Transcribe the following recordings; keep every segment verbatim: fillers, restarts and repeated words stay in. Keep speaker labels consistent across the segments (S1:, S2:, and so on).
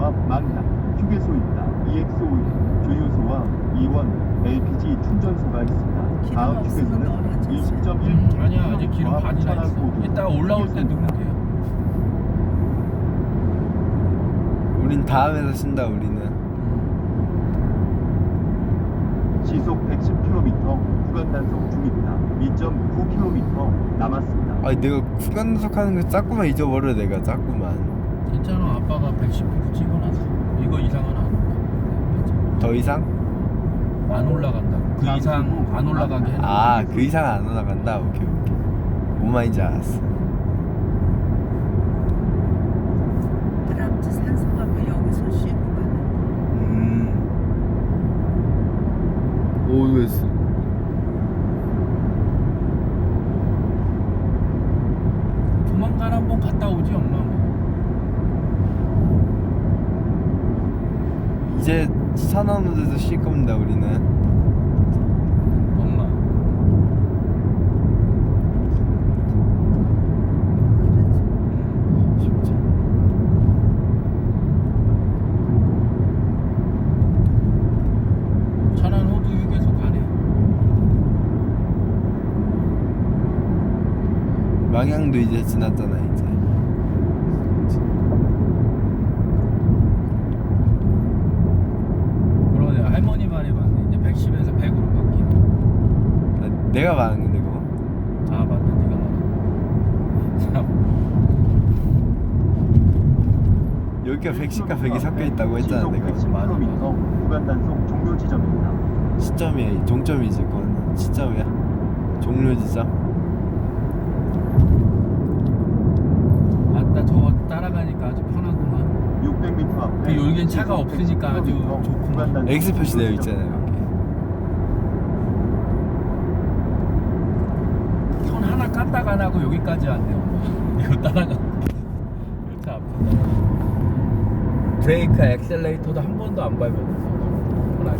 S1: 앞 망향 휴게소입니다. 이엑스오일 주유소와 이원 엘피지 충전소가 있습니다. 다음 휴게소는 이십 점 일
S2: 음, 아니야 아직 기름 반이나 있어.
S1: 천안고도
S2: 이따가 올라올 때 넣으면 돼요.
S3: 우린 다음에서 쓴다. 우리는
S1: 시속 백십 킬로미터 구간 단속 중입니다. 이 점 구 킬로미터 남았습니다.
S3: 아니 내가 구간 단속하는 거 자꾸만 잊어버려. 내가 자꾸만.
S2: 괜찮아 아빠가 백십 킬로미터 찍어놨어. 이거 이상은 안 올라.
S3: 더 이상?
S2: 안 올라간다. 그 이상 안 올라가게 해.
S3: 아 그 이상 안 올라간다. 오케이 오케이. 뭔 말인지 알았어.
S4: 트럼프 산소가면 여기서 쉬고 가는.
S3: 음. 오에스.
S2: 조만간 한번 갔다 오지 엄마. 뭐.
S3: 이제 산업에서 쉴 겁니다. 우리는.
S2: 엄마.
S3: 쉽죠.
S2: 천안 호두 휴게소 가네.
S3: 망향도 이제 지났잖아 이제.
S2: 그러네 할머니 말이 맞네. 이제 백십에서 백으로 바뀌고.
S3: 아, 내가 말한 건데 그거.
S2: 아 맞다 네가 말한. 참.
S3: 여기가 백십과 백이 섞여 있다고 했잖아
S1: 시속
S3: 내가.
S1: 백십 킬로미터 구간 단속 종료 지점입니다.
S3: 시점이야. 종점이지 그건. 시점이야. 종료 지점.
S2: 아따 저거 따라가니까 아주 편하구만.
S1: 육백 미터 앞에
S2: 그 여긴 차가
S1: 시속
S2: 없으니까 아주
S1: 백십 킬로미터
S2: 좋구만.
S1: 구간 단속
S3: X 표시 되어
S1: 종료
S3: 있잖아요 여기.
S2: 손 하나 까딱 안 하고 여기까지 왔네요. 이거 따라가. 이렇게 아프다. 브레이크, 엑셀레이터도 한 번도 안 밟았어. 편하게.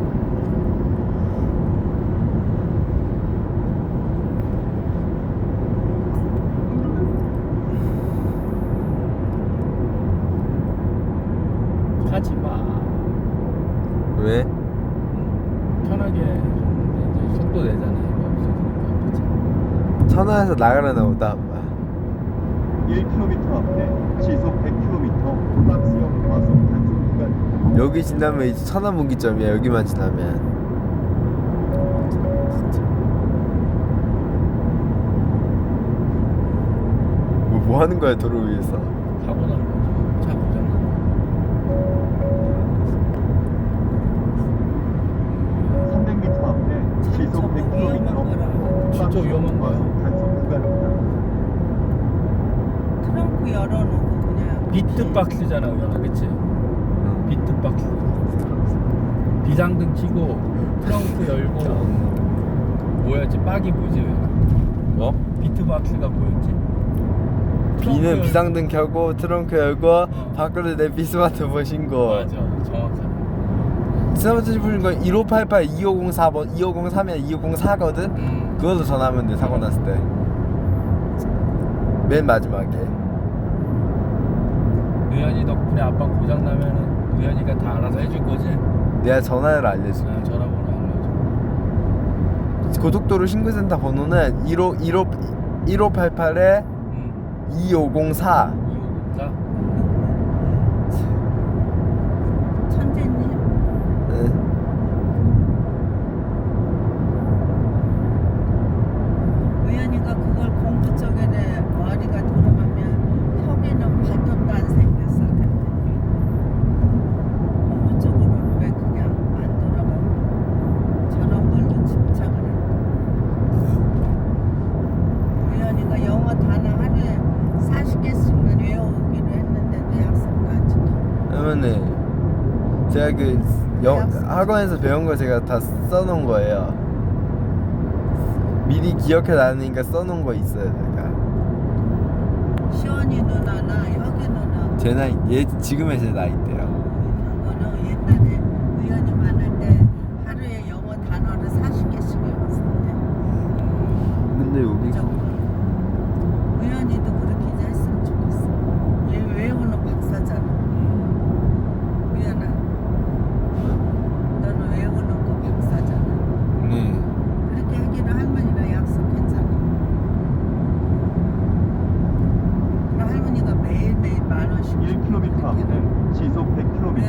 S2: 하지 마.
S3: 왜?
S2: 편하게 줬는데 이제 속도 내잖아요. 이거 없어지니까.
S3: 천안에서 나가려나 보다.
S1: 일 킬로미터 앞에 시속 백 킬로미터 박스형 과속 단속 구간.
S3: 여기 지나면 이제 천안 분기점이야. 여기만 지나면. 뭐, 뭐 하는 거야 도로 위에서?
S2: 사고 난 거지. 차 고장 난
S1: 삼백 미터 앞에 시속 백 킬로미터
S2: 진짜 위험한 거야.
S1: 과속 단속 구간입니다.
S4: 트렁크 열어놓고 그냥.
S2: 거. 비트박스잖아, 우연아, 그치? 비트박스. 비상등 켜고 트렁크 열고 뭐였지? 빡이 뭐지? 우연아?
S3: 뭐?
S2: 비트박스가 뭐였지? 트렁크
S3: 비는
S2: 열-
S3: 비상등 켜고 트렁크 열고 밖으로 내 비스마트폰 신고.
S2: 맞아, 정확하네.
S3: 스마트폰 신고 건 일오팔팔 이오공사 번 이오공삼이야 이오공사거든.
S2: 음.
S3: 그걸로 전화하면 돼. 사고 났을 때. 맨 마지막에.
S2: 의연이 덕분에 아빠 고장 나면은 의연이가 다 알아서 해줄 거지?
S3: 내가 전화를 알려줄게.
S2: 아, 전화번호 알려줘.
S3: 고속도로 신고센터 번호는 일오 일오 일오팔팔에
S2: 응.
S3: 이오공사.
S2: 이호공사.
S4: 천재님.
S3: 응.
S4: 우연히가 그걸 공부 쪽에 머리가 돌아가면 혁에는 발톱도 안 생겼을 텐데. 공부 쪽으로는 왜 그냥 안 돌아가고 저런 걸로 집착을 했고. 우연히가 영어 단어 하루에 사십 개씩만 외워오기로 했는데 대학생도 안 지켜.
S3: 그러면은 제가 그 영, 학원에서 배운 거 제가 다 써놓은 거예요. 미리 기억해 놔니까 써놓은 거 있어요 제가.
S4: 시원이 누나나 혁이 누나
S3: 제 나이 얘 지금의 제 나이대요.
S4: 그거는 옛날에 우연히 많을 때 하루에 영어 단어를 사십 개씩 외웠었대.
S3: 근데 여기
S4: 무조건. 우연히도 그렇게 이제 했으면 좋겠어. 얘 외우는 박사잖아.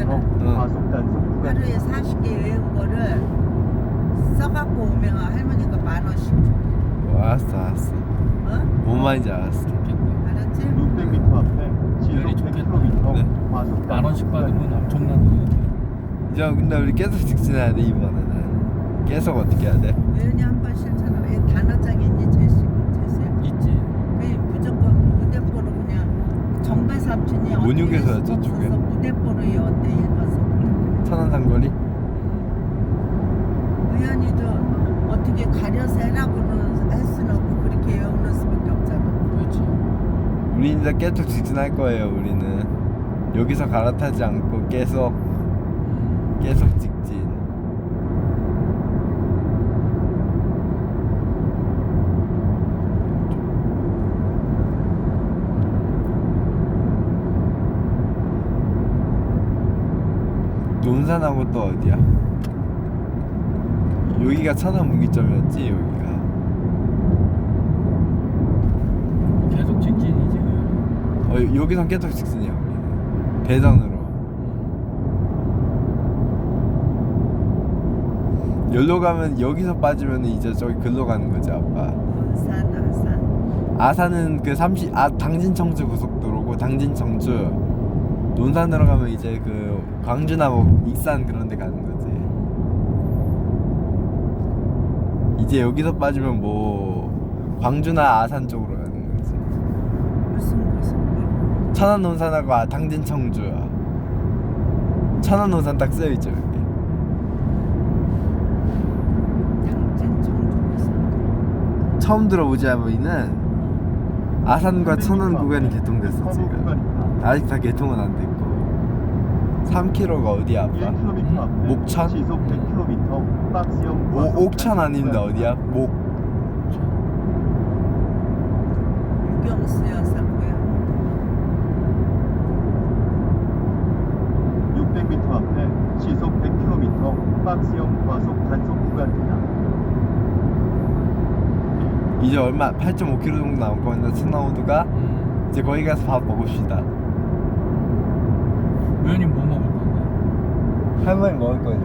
S1: 킬로미터 과속 단속 구간.
S4: 하루에 사십 개 외운 거를 써갖고 오면 할머니가 만 원씩 줄게.
S3: 어, 알았어 알았어.
S4: 어?
S3: 뭔 말인지 알았어.
S4: 알았지?
S1: 육백 미터 앞에 시속
S2: 열이
S1: 백
S2: 좋겠다.
S1: 킬로미터
S3: 네.
S1: 과속
S2: 만
S1: 단속
S2: 원씩
S1: 구간.
S2: 받으면 엄청난 돈인데.
S3: 이제 근데 우리 계속 직진해야 돼 이번에는. 계속 어떻게 해야 돼?
S4: 외연이 한 번 실천하면 애 단어장이 있니 제시고 제시야.
S2: 있지.
S4: 그 무조건 무대뽀로 그냥 정배 삼촌이
S3: 온육에서요,
S4: 어떻게
S3: 저쪽에?
S4: 없어서 무대뽀로 이었대 일반서.
S3: 천안 상거리?
S4: 의연이도 어떻게 가려서 해라고는 할 수는 없고 그렇게 외우는 수밖에 없잖아.
S2: 그렇지.
S3: 우리 이제 계속 직진할 거예요 우리는. 여기서 갈아타지 않고 계속 계속 직진. 논산하고 또 어디야? 여기가 천안 무기점이었지 여기가.
S2: 계속 직진이지.
S3: 어 여기선 계속 직진이야 우리는. 대전으로. 여기로 가면 여기서 빠지면 이제 저기 글로 가는 거지 아빠.
S4: 논산 아산.
S3: 아산은 그 삼십 아 당진 청주 고속도로고 당진 청주. 논산으로 가면 이제 그 광주나 뭐 익산 그런 데 가는 거지. 이제 여기서 빠지면 뭐 광주나 아산 쪽으로 가는 거지.
S4: 무슨 무슨
S3: 천안 논산하고 아, 당진 청주. 천안 논산 딱 쓰여 있죠 여기.
S4: 당진 청주 무슨.
S3: 처음 들어보지 않으면은 아산과 천안 구간이 개통됐어
S1: 서부
S3: 지금.
S1: 구간입니다.
S3: 아직 다 개통은 안 됐고. 삼 킬로미터가 어디야
S1: 일
S3: 아빠?
S1: 킬로미터 앞에
S3: 목천?
S1: 시속 백 킬로미터 박스형 과속
S3: 오, 옥천
S1: 단속
S3: 아닌데
S1: 구간.
S3: 어디야? 목.
S4: 유경수 여사 고향.
S1: 육백 미터 앞에 시속 백 킬로미터 박스형 과속 단속 구간입니다.
S3: 이제 얼마 팔 점 오 킬로미터 정도 남은 거는데 천안호두가
S2: 음.
S3: 이제 거기 가서 밥 먹읍시다.
S2: 의원이 뭐 먹을 건데?
S3: 할머니 먹을 거지.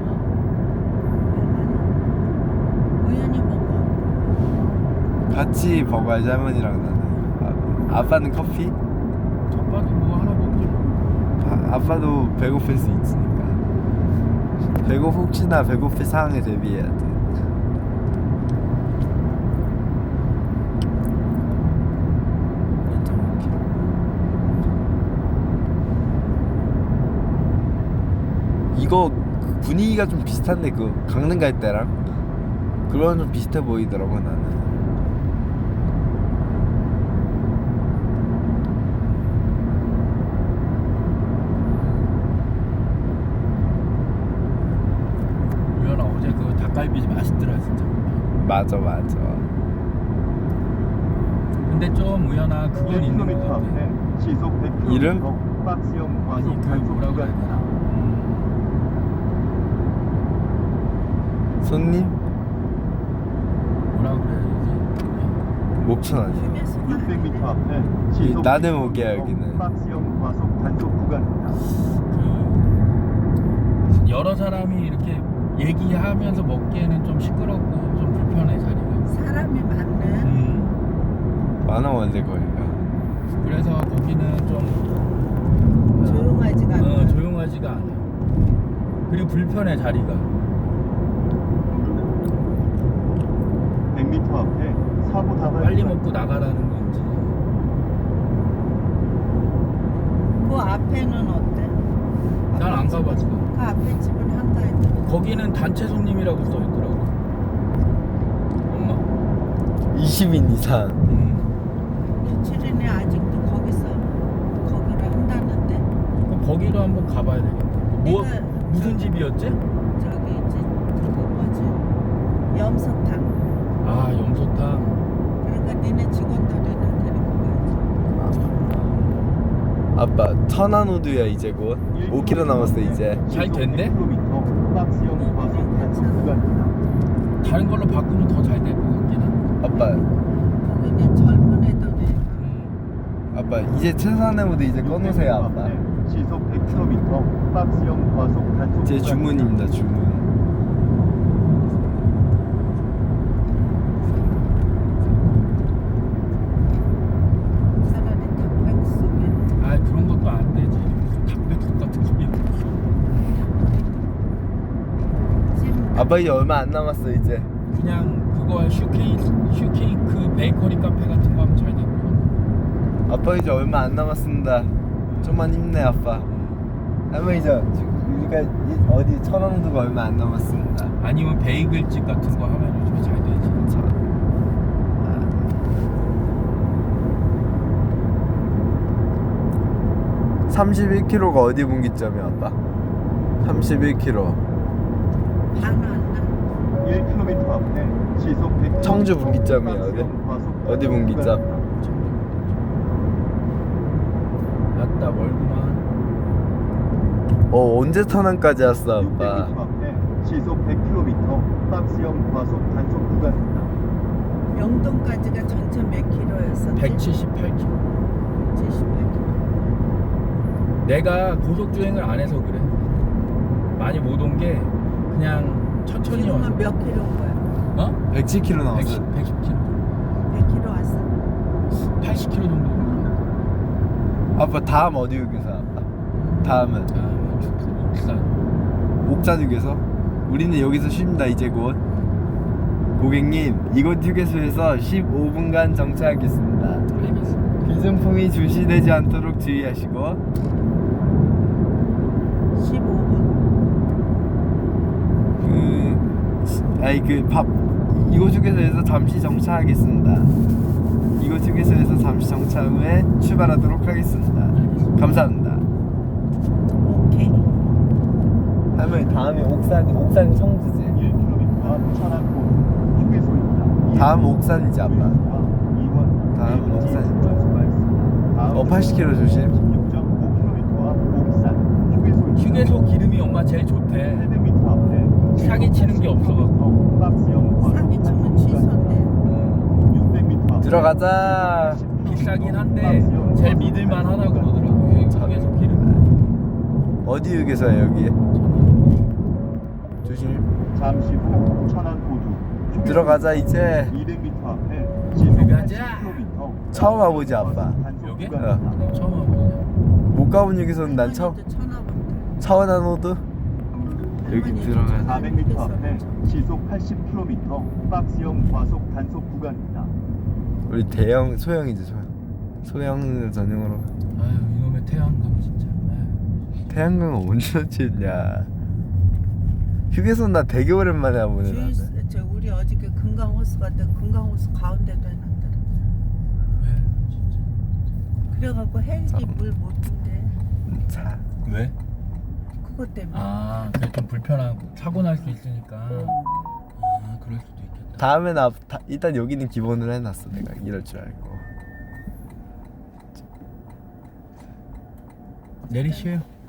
S4: 우연히 먹어.
S3: 같이 먹어야지 할머니랑 나는. 아, 아빠는 커피?
S2: 첫바도 뭐 하나 먹지.
S3: 아, 아빠도 배고플 수 있으니까. 배고 혹시나 배고플 상황에 대비해야 돼. 이거 분위기가 좀 비슷한데 그 강릉 갈 때랑 그런 좀 비슷해 보이더라고 나는.
S2: 의원아 어제 그 닭갈비 맛있더라 진짜.
S3: 맞아 맞아.
S2: 근데 좀 의원아 그건
S1: 일
S2: 있는 것
S1: 킬로미터
S2: 같아.
S1: 앞에 시속 백 킬로미터
S3: 이름?
S1: 박스형
S2: 아니
S1: 과속
S2: 그
S1: 단속
S2: 뭐라고 해야
S1: 구간입니다.
S2: 되나? 음,
S3: 손님?
S2: 뭐라고 그래야 되지?
S3: 목천 아니야?
S1: 육백 미터 앞에 시속
S3: 나는
S1: 백
S3: 올게요,
S1: 킬로미터
S3: 여기는.
S1: 박스형 과속 단속 구간입니다.
S2: 그 여러 사람이 이렇게 얘기하면서 먹기에는 좀 시끄럽고 좀 불편해 자리가.
S4: 사람이 많네.
S2: 음.
S3: 많아 원래 거기가.
S2: 그래서 거기는 좀
S4: 조용하지가 않아.
S2: 어, 조용하지가 않아. 그리고 불편해 자리가.
S1: 백 미터 앞에 사고 다발
S2: 빨리
S1: 구간.
S2: 먹고 나가라는 건지.
S4: 그 앞에는 어때?
S2: 난 안 가봤어.
S4: 그 앞에 집은 한가해.
S2: 거기는 단체 손님이라고 써 있더라고. 엄마.
S3: 이십 인 이상.
S2: 음.
S4: 며칠이네 아직도 거기서 거기를 한다는데.
S2: 그럼 거기로 한번 가봐야 되겠다. 뭐
S4: 내가
S2: 무슨
S4: 저-
S2: 집이었지?
S4: 저기 이제 그거 뭐지? 염소탕.
S2: 아 염소탕.
S4: 그러니까 니네 직원들이나 데리고 가야지.
S3: 아빠 천안호두야 이제 곧 오 킬로미터 남았어 이제.
S2: 잘 됐네?
S1: 백 킬로미터 박스형 과속 단속 구간입니다.
S2: 다른 걸로 바꾸면 더 잘 될 것 같긴 한.
S3: 아빠
S4: 거기는 젊은 애들이
S2: 음.
S3: 아빠 이제 최선의모드 이제 꺼놓으세요 아빠.
S1: 시속 백 킬로미터 박스형 과속 단속
S3: 제
S1: 구간입니다.
S3: 주문입니다 주문.
S4: 차라리 닭백 속에
S2: 아 그런 것도 안 되지. 무슨 닭백숙 같은 소리.
S4: 찜.
S3: 아빠 이제 얼마 안 남았어 이제.
S2: 그냥 그거 슈케이크 슈케이크 베이커리 카페 같은 거 하면 잘 될 것 같아.
S3: 아빠 이제 얼마 안 남았습니다. 좀만 힘내 아빠. 할머니 저 우리가 이- 어디 천왕도가 얼마 안 남았습니다.
S2: 아니면 베이글집 같은 거 하면 요즘에 잘 되지.
S3: 자, 삼십일 킬로미터가 어디 분기점이야 아빠? 삼십일 킬로미터
S4: 반안 나.
S1: 일 킬로미터 앞에 시속 백 킬로미터
S3: 청주 분기점이에요, 어디?
S1: 박스형 과속
S3: 어디
S1: 단속
S3: 분기점?
S1: 구간입니다.
S2: 맞다 멀구만.
S3: 어 언제 터널까지 왔어 아빠?
S1: 육백 미터 앞에 시속 백 킬로미터 박스형 과속 단속 구간입니다.
S4: 영동까지가 전체 몇 킬로였었지?
S2: 백칠십팔 킬로미터.
S4: 백칠십팔 킬로.
S2: 내가 고속 주행을 안 해서 그래. 많이 못 온 게 그냥 천천히 와서.
S4: 지금은 몇 킬로인 거야?
S2: 어?
S3: 백칠 킬로미터 나왔어.
S2: 백십, 백십 킬로미터.
S4: 백 킬로 왔어?
S2: 팔십 킬로미터 정도.
S3: 아빠 다음 어디 휴게소 아빠? 다음은
S2: 아, 축구 옥산.
S3: 옥산 휴게소? 우리는 여기서 쉽니다 이제 곧. 고객님 이곳 휴게소에서 십오 분간 정차하겠습니다.
S2: 알겠어.
S3: 귀중품이 출시되지 않도록 주의하시고
S4: 십오 분.
S3: 그 아니 그 밥 이곳 휴게소에서 잠시 정차하겠습니다. 이곳 휴게소에서 잠시 정차 후에 출발하도록 하겠습니다. 감사합니다.
S4: 오케이.
S3: 할머니 다음에 옥산 옥산 청주지.
S1: 일 킬로미터 앞 천안고 휴게소입니다.
S3: 다음 옥산이지 아빠.
S1: 이원
S3: 다음은 옥산.
S1: 충전소가 있습니다. 다음
S3: 어 팔십 킬로미터 조심.
S1: 십육 점 오 킬로미터 앞 옥산 휴게소입니다.
S2: 휴게소 기름이 엄마 제일 좋대.
S1: 팔백 미터 앞에
S2: 사기 치는 게 없어갖고.
S1: 박스형 과속
S4: 사기 치면
S1: 단속
S4: 취소인데.
S2: 음,
S1: 육백 미터 앞에
S3: 들어가자.
S2: 비싸긴 한데 제일 믿을만 하다 그러더라고. 휴게소 기름.
S3: 어디 휴게소야 여기?
S2: 저는
S3: 조심.
S1: 잠시 후 천안고두 휴게소
S3: 들어가자 이제.
S1: 이백 미터 앞에 시속
S2: 들어가자.
S1: 팔십 킬로미터
S3: 처음 와보지, 아빠.
S1: 단속
S2: 여기?
S1: 구간입니다.
S2: 처음 와보세요.
S3: 못 가본 휴게소는 난 처음.
S4: 천하본데.
S3: 차원한호드 여기 들어가야
S1: 사백 미터 앞에 시속 팔십 킬로미터 박스형 과속 단속 구간입니다.
S3: 우리 대형 소형이지 소형. 소형 전용으로.
S2: 아유 이놈의 태양광 진짜. 아유.
S3: 태양광은 언제 치냐. 휴게소는 나 되게 오랜만에 와보네 나는.
S4: 주유 저 우리 어저께 금강호수 갔다 금강호수 가운데도 해놨더라.
S2: 왜 진짜.
S4: 그래갖고 헬기 물 못 준대.
S3: 차.
S2: 왜?
S4: 그것 때문에.
S2: 아 그게 좀 불편하고 사고 날 수 있으니까. 아 그럴 수도 있겠다.
S3: 다음에 나 다, 일단 여기는 기본으로 해놨어 내가 이럴 줄 알고.
S2: 내리시에요.